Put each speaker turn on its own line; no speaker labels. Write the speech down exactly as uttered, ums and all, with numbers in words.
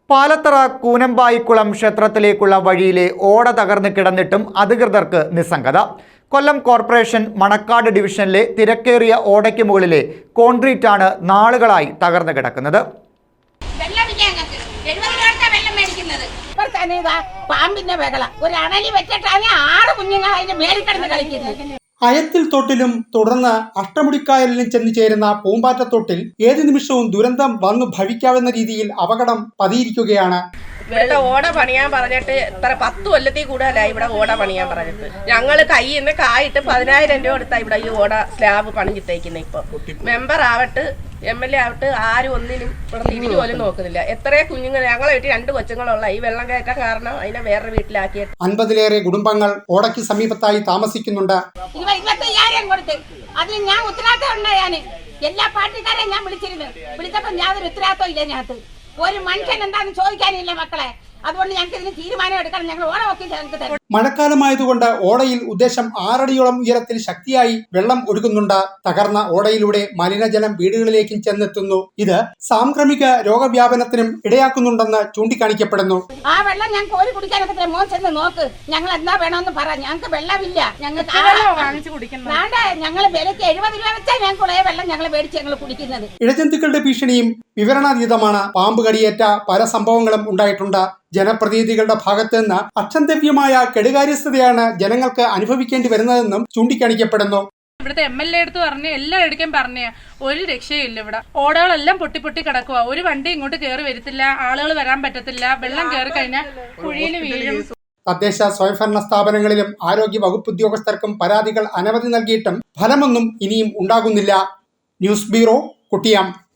പാലത്തറ കൂനമ്പായിക്കുളം ക്ഷേത്രത്തിലേക്കുള്ള വഴിയിലെ ഓട തകർന്ന് കിടന്നിട്ടും അധികൃതർക്ക് നിസ്സംഗത. കൊല്ലം കോർപ്പറേഷൻ മണക്കാട് ഡിവിഷനിലെ തിരക്കേറിയ ഓടയ്ക്ക് മുകളിലെ കോൺക്രീറ്റാണ് നാളുകളായി തകർന്നു കിടക്കുന്നത്.
അയത്തിൽ തൊട്ടിലും തുടർന്ന് അഷ്ടമുടിക്കായലിലും ചെന്നു ചേരുന്ന പൂമ്പാറ്റത്തൊട്ടിൽ ഏതു നിമിഷവും ദുരന്തം വന്നു ഭവിക്കാവുന്ന രീതിയിൽ അപകടം പതിയിരിക്കുകയാണ്.
ഇവിടെ ഓട പണിയാൻ പറഞ്ഞിട്ട് ഇത്ര പത്ത് കൊല്ലത്തിൽ കൂടുതലായി ഇവിടെ ഓട പണിയാൻ പറഞ്ഞിട്ട്. ഞങ്ങള് കയ്യിൽ നിന്ന് കായിട്ട് പതിനായിരം രൂപ കൊടുത്താ ഇവിടെ ഈ ഓട സ്ലാബ് പണിഞ്ഞിട്ടേക്കുന്നത്. ഇപ്പൊ മെമ്പർ ആവട്ട് എം എൽ എ ആവട്ട് ആരും ഒന്നിനും ഇവിടെ തിരിഞ്ഞു പോലും നോക്കുന്നില്ല. എത്രയോ കുഞ്ഞുങ്ങൾ ഞങ്ങളെ വീട്ടിൽ രണ്ട് കൊച്ചുങ്ങളുള്ള ഈ വെള്ളം കയറ്റാൻ കാരണം അതിനെ വേറെ വീട്ടിലാക്കിയിട്ട്
അൻപതിലേറെ കുടുംബങ്ങൾ ഓടയ്ക്ക് സമീപത്തായി താമസിക്കുന്നുണ്ട്.
അതിന് ഞാൻ ഉത്തരവാദിത്തം ഉണ്ടായാന് എല്ലാ പാർട്ടിക്കാരെയും ഞാൻ വിളിച്ചിരുന്നു. വിളിച്ചപ്പോ യാതൊരു ഉത്തരവാദിത്തം ഇല്ല. ഞങ്ങൾക്ക് ഒരു മനുഷ്യൻ എന്താണെന്ന് ചോദിക്കാനില്ല മക്കളെ. അതുകൊണ്ട് ഞങ്ങൾക്ക് ഇതിന് തീരുമാനം എടുക്കണം. ഞങ്ങൾ ഓടമൊക്കെ ഞങ്ങൾക്ക് തരും.
മഴക്കാലമായതുകൊണ്ട് ഓടയിൽ ഉദ്ദേശം ആറടിയോളം ഉയരത്തിൽ ശക്തിയായി വെള്ളം ഒഴുകുന്നുണ്ട്. തകർന്ന ഓടയിലൂടെ മലിനജലം വീടുകളിലേക്കും ചെന്നെത്തുന്നു. ഇത് സാംക്രമിക രോഗവ്യാപനത്തിനും ഇടയാക്കുന്നുണ്ടെന്ന് ചൂണ്ടിക്കാണിക്കപ്പെടുന്നു.
ആ വെള്ളം ഞങ്ങൾക്ക് ഒരു കുടിക്കാനൊക്കെ മോൻ ചെന്ന് നോക്ക്. ഞങ്ങൾ എന്താ വേണമെന്ന് പറ. ഞങ്ങൾക്ക് വെള്ളമില്ല. ഞങ്ങൾക്ക് ഞങ്ങൾ വിലക്ക് എഴുപത് രൂപ വെച്ചാൽ ഞങ്ങൾക്ക് വെള്ളം ഞങ്ങൾ മേടിച്ച് ഞങ്ങൾ കുടിക്കുന്നത്.
ഇഴജന്തുക്കളുടെ ഭീഷണിയും വിവരണാതീതമാണ്. പാമ്പ് കടിയേറ്റ പല സംഭവങ്ങളും ഉണ്ടായിട്ടുണ്ട്. ജനപ്രതിനിധികളുടെ ഭാഗത്ത് നിന്ന് അക്ഷന്തവ്യമായ കെടുകാര്യസ്ഥതയാണ് ജനങ്ങൾക്ക് അനുഭവിക്കേണ്ടി വരുന്നതെന്നും ചൂണ്ടിക്കാണിക്കപ്പെടുന്നു.
ഇവിടുത്തെ എം എൽ എ എടുത്ത് പറഞ്ഞ് എല്ലായിടക്കും പറഞ്ഞ ഒരു രക്ഷയില്ല. ഇവിടെ ഓടകളെല്ലാം പൊട്ടി പൊട്ടി കിടക്കുക. ഒരു വണ്ടി ഇങ്ങോട്ട് കയറി വരത്തില്ല. ആളുകൾ വരാൻ പറ്റത്തില്ല. വെള്ളം കയറി കഴിഞ്ഞാൽ കുഴിയിൽ വീഴും.
തദ്ദേശ സ്വയംഭരണ സ്ഥാപനങ്ങളിലും ആരോഗ്യ വകുപ്പ് ഉദ്യോഗസ്ഥർക്കും പരാതികൾ അനവധി നൽകിയിട്ടും ഫലമൊന്നും ഇനിയും ഉണ്ടാകുന്നില്ല. News bureau, കുട്ടിയം.